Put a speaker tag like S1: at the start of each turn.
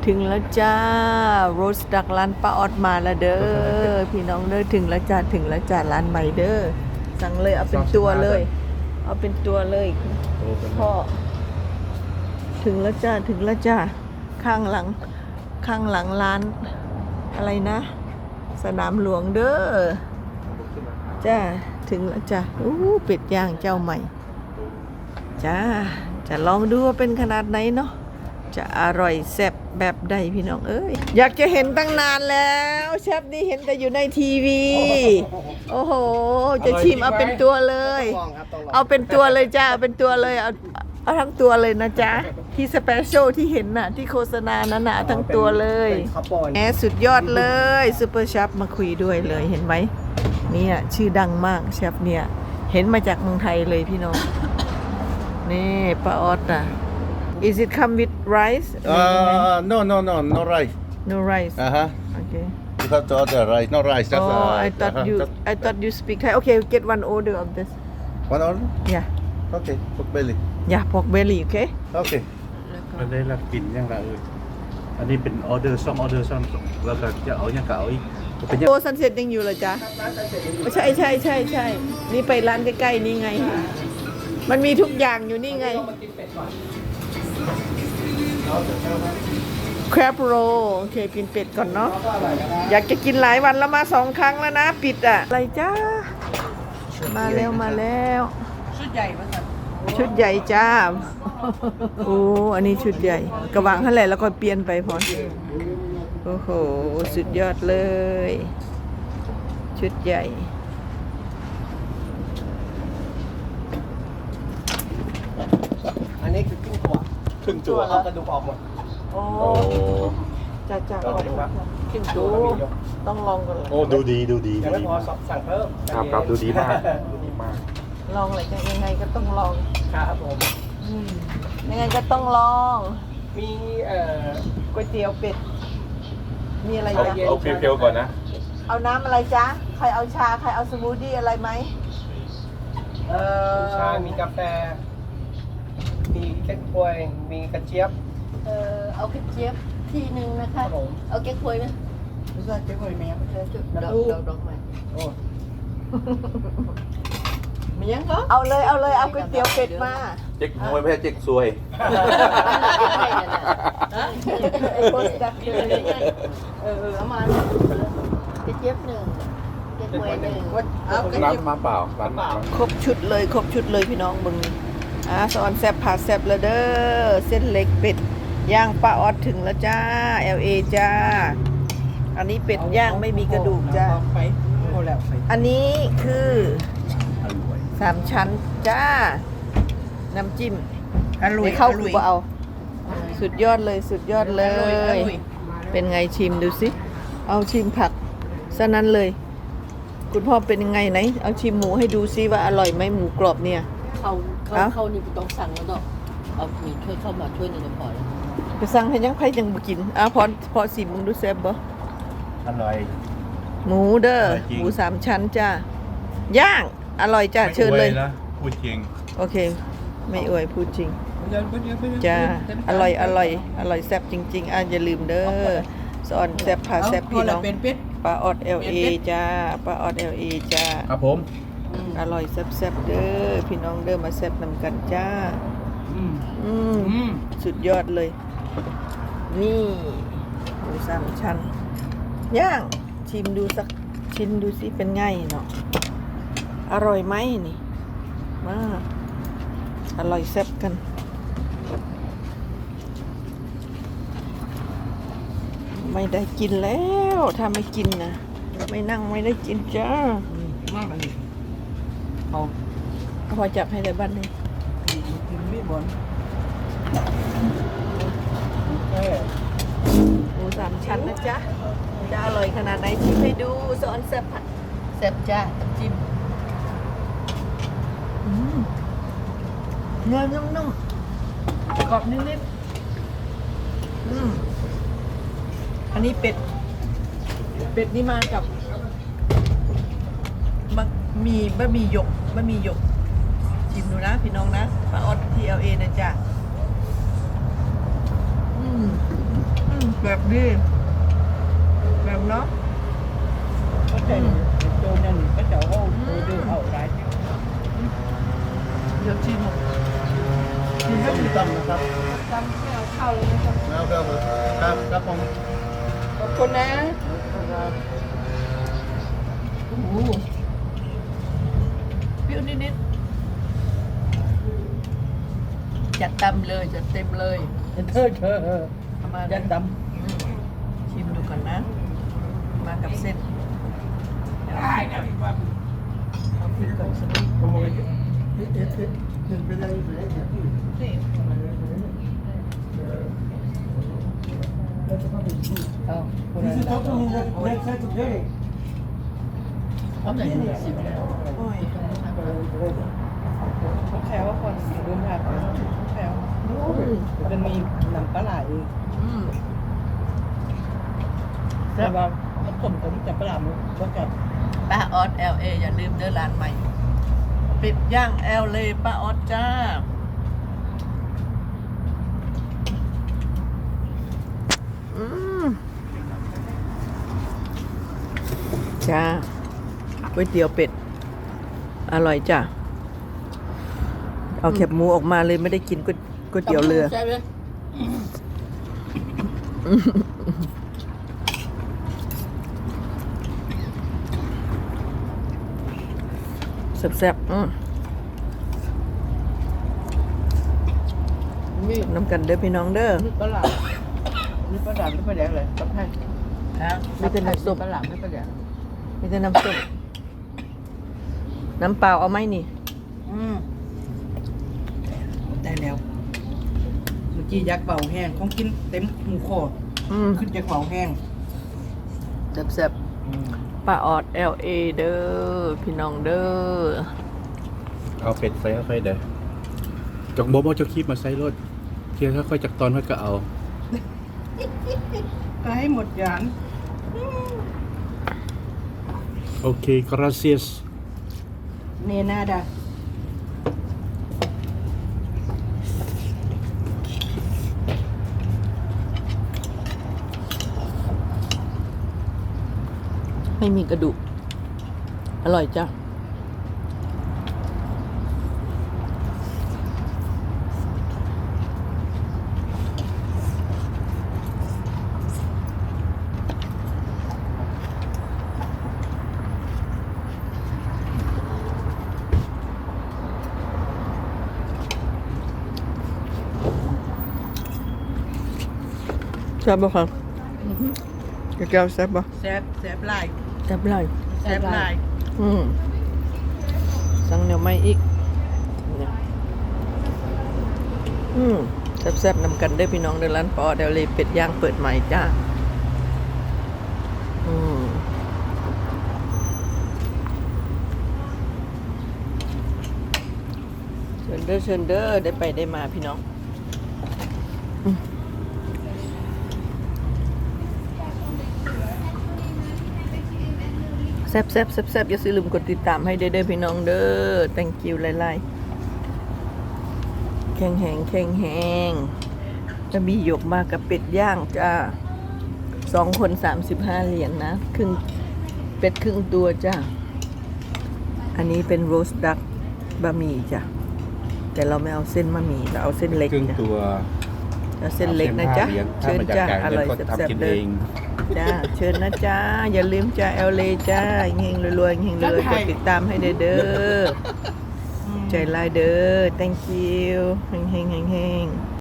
S1: ถึงแล้วจ้าโรสดักร้านป้าออดมาแล้วเด้อพี่น้องเด้อถึงแล้วจ้าร้านใหม่เด้อสั่งเลยเอาเป็นตัวเลยเอาเป็นตัวเลยพ่อถึงแล้วจ้าข้างหลังร้านอะไรนะสนามหลวงเด้อจ้าถึงแล้วจ้าเป็ดย่างเจ้าใหม่จ้าจะลองดูว่าเป็นขนาดไหนเนาะจะอร่อยแซ่บแบบใดพี่น้องเอ้ยอยากจะเห็นตั้งนานแล้วเชฟนี่เห็นแต่อยู่ในทีวีโอ้โหจะชิมเอาเป็นตัวเลยเอาเป็นตัวเลยจ้าเอาเป็นตัวเลยเอาทั้งตัวเลยนะจ๊ะที่สเปเชียลที่เห็นน่ะที่โฆษณานั้นน่ะทั้งตัวเลยแหมสุดยอดเลยซูเปอร์เชฟมาคุยด้วยเลยเห็นไหมเนี่ยชื่อดังมากเชฟเนี่ยเห็นมาจากเมืองไทยเลยพี่น้องนี่ป้าออดอ่ะIs it come with rice?
S2: No rice.
S1: No rice. Okay.
S2: You have to order rice, no rice. Just,
S1: I thought you speak Thai. Okay, get one order of this.
S2: One order?
S1: Yeah.
S2: Okay, pork belly.
S1: Yeah, pork belly. Okay.
S2: Okay.
S3: อันนี้เรากินยังไงอันนี้เป็นออเดอร์ซ่อมแล้วก็จะเอายังเก่าอีกเป็นยัง
S1: โอ้ซันเซ็ตยังอยู่เหรอจ๊ะใช่นี่ไปร้านใกล้ๆนี่ไงมันมีทุกอย่างอยู่นี่ไงแครบโรโอเคกินเป็ดก่อนเนาะอยากจะกินหลายวันแล้วมา2 ครั้งแล้วนะปิดอะอะไรจ้ามาแล้วชุดใหญ่จ้าโอ้อันนี้ชุดใหญ่กระวางเท่าไหร่แล้วก็เปลี่ยนไปพอโอ้โหสุดยอดเลยชุดใหญ่
S4: อันนี้คือครึ่งตัวเอากระดูกออกหมด
S1: โอ้จ้าขึ้นดูต้องลองกันเลย
S3: โอ้ดูดี
S4: ยังไม่พอสั่งเพิ่ม
S3: ครับดูดีมาก
S1: ลองอะไรกันยังไงก็ต้องลอง
S4: ครับผม
S1: ยังไงก็ต้องลอง
S4: มี
S1: ก๋วยเตี๋ยวเป็ดมีอะไร
S3: เอา
S1: จ๊ะ
S3: เพียวๆก่อนนะ
S1: เอาน้ำอะไรจ๊ะใครเอาชาใครเอาสมูทตี้อะไรไหม
S4: ชามีกาแฟมีเก๊กฮวยมีกระเจี๊ยบ
S5: เอากระเจี๊ยบทีหนึ่งนะคะ
S4: ครับผม
S5: เอาเก๊กฮวยไหม
S4: รู้สึกเก๊กฮวยไหมครับ
S5: จุดดอกไม้
S4: โอ้
S5: มียังเหรอ
S1: เอาเลยเอาก๋วยเตี๋ยวเป็ดมา
S3: เจ๊กมวยไม่ใช่เจ๊กซวย
S1: โพสต์ดักเลย
S5: เอามากระเจี๊ยบหนึ่งเก๊กฮวยหนึ่ง
S1: เอากระ
S3: ร้าน
S1: เจี๊ยบ
S3: มาเปล่าร้านมา
S1: ครบชุดเลยพี่น้องบึงสอนแซบผัดแซบเลยเด้อเส้นเล็กเป็ดย่างป้าออดถึงแล้วจ้า LA จ้าอันนี้เป็ดย่างไม่มีกระดูกจ้าอันนี้คือ3 ชั้นจ้าน้ำจิ้มไม่เข้ากูเอาสุดยอดเลยเป็นไงชิมดูสิเอาชิมผักซะนั้นเลยคุณพ่อเป็นยังไงไหนเอาชิมหมูให้ดูซิว่าอร่อยไหมหมูกรอบเนี่ย
S5: เขานี่ต้องสั่งแล้วก็เอามีช่วยเข้ามาช่วยในจะพอแล้ว
S1: ไปสั่งให้ยังไผยังบ่กินพอสิมึงดูแซ่บบ่
S3: อร่อย
S1: หมูเด้อหมู3 ชั้นจ้าย่างอร่อยจ้าเชิญเลย
S3: พูดจริง
S1: โอเคไม่อวยพูดจริงจ้าอร่อยแซ่บจริงๆอย่าลืมเด้อสอนแซ่บพาแซ่บพี่น้องป้าออด LA จ้าป้าออด LA จ้า
S3: ครับผม
S1: อร่อยแซ่บๆเด้อพี่น้องเด้อมาแซ่บนำกันจ้าสุดยอดเลยนี่หมู3 ชั้นย่างชิมดูสักชิ้นดูสิเป็นไงเนาะอร่อยไหมนี่มาอร่อยแซ่บกันไม่ได้กินแล้วถ้าไม่กินนะไม่นั่งไม่ได้กินจ้าม
S4: ากเลยเอา
S1: พอจับให้ได้บ้านเลย
S4: มีบอล
S1: หมู3 ชั้นนะจ๊ะจะอร่อยขนาดไหนชิมให้ดูสอนแซ่บผัดแซ่บจ้าจิ้มเนื้อนุ่มๆกรอบนิดๆอันนี้เป็ดนี่มากับบะหมี่หยกชิมดูนะพี่น้องนะป้าออดที่ LA นะจ๊ะเป็แบบดีแบบเนาะ
S4: có thể cho nên có chỗ ô đưa hậu lại
S1: เดี๋ยวชิม
S2: กินส้มตำนะครับ
S5: จำไม่เอาเข้าเลยนะครับ
S2: แล้วก็ครับผม
S1: ขอบคุณนะโอ้โหเปรี้ยวนิดๆจัดเต็มเลยจัดเต็มเลย
S4: thơ thơ
S1: เอามา
S4: dân tâm
S1: ชิมดูก่อนนะ มากับเส้นเอาพริกก่อนสักนิดนี่
S4: cô này là
S1: เอาไหนสิบโอ้ย
S4: có khéo còn đơn hạt khéo bên mi nằm cá lại
S1: อืม
S4: là vào nó cũng chặt cái làm có chặt
S1: ป้าออส LA อย่าลืมเดินร้านใหม่ปิดย่าง LA ป้าออสจ้า อืมจ้าก๋วยเตี๋ยวเป็ด อร่อยจ้ะ เอาแคบหมูออกมาเลยไม่ได้กินก๋วยเตี๋ยวเรือ
S5: ใช่ไหม
S1: แซ่บๆ
S5: มี
S1: น้ำกันเด้อพี่น้องเด้อ
S4: nước có làm nước có làm nước có đẹp này tập hai
S1: มีแต่น้ำซุป
S4: có làm nước có đẹp
S1: มีแต่น้ำซุปน้ำเปล่าเอาไหมนี่
S4: ได้แล้วเมื่อกี้ยักษ์เบาแห้งของกินเต็มหมูคอ
S1: อืม
S4: ขึ้นยักษ์เบาแห้ง
S1: แซ่บๆป้าออด LA เด้อพี่น้องเด้อ
S3: เอาเป็ดใส่เข้าไปเด้อจกโบเอาเจ้าคีบมาใส่รถเทียค่อยๆจากตอนค่อยก็เอา
S4: ก็ให้หมดจาน
S3: โอเค gracias
S4: เนนาดา
S1: ไม่มีกระดูก อร่อยจ้ะ แซ่บบ่ครับแก้วแซ่บบ่
S4: แซ่บแซ่บหลาย
S1: แซ่บเลย
S4: แซ่บหลาย
S1: สั่งเหนียวไม่อีกเนี่ยแซ่บๆนำกันได้อพี่น้องเดินร้านปอเดลเลยเป็ดย่างเปิดใหม่จ้าเชิญเด้อเชิญเด้อได้ไปได้มาพี่น้องแซ่บอย่าลืมกดติดตามให้เด้อพี่น้องเด้อ thank you หลายๆแข็งแหงจะมีหยกมากับเป็ดย่างจ้า2 คน35 เหรียญนะครึ่งเป็ดครึ่งตัวจ้าอันนี้เป็นโรสดักบะหมี่จ้ะแต่เราไม่เอาเส้นบะหมี่เราเอาเส้นเล็ก
S3: ครึ่ง
S1: จ้ะ
S3: ตัว
S1: เอาเส้นเล็กนะจ๊ะเชิญจ้าอร่อยแซ่บๆเลย จ้าเชิญนะจ้าอย่าลืมจ้าเอลเลจ้าเฮงรวยๆเฮงรวยๆกดติดตามให้เด้อใจลายเด้อ thank you เฮง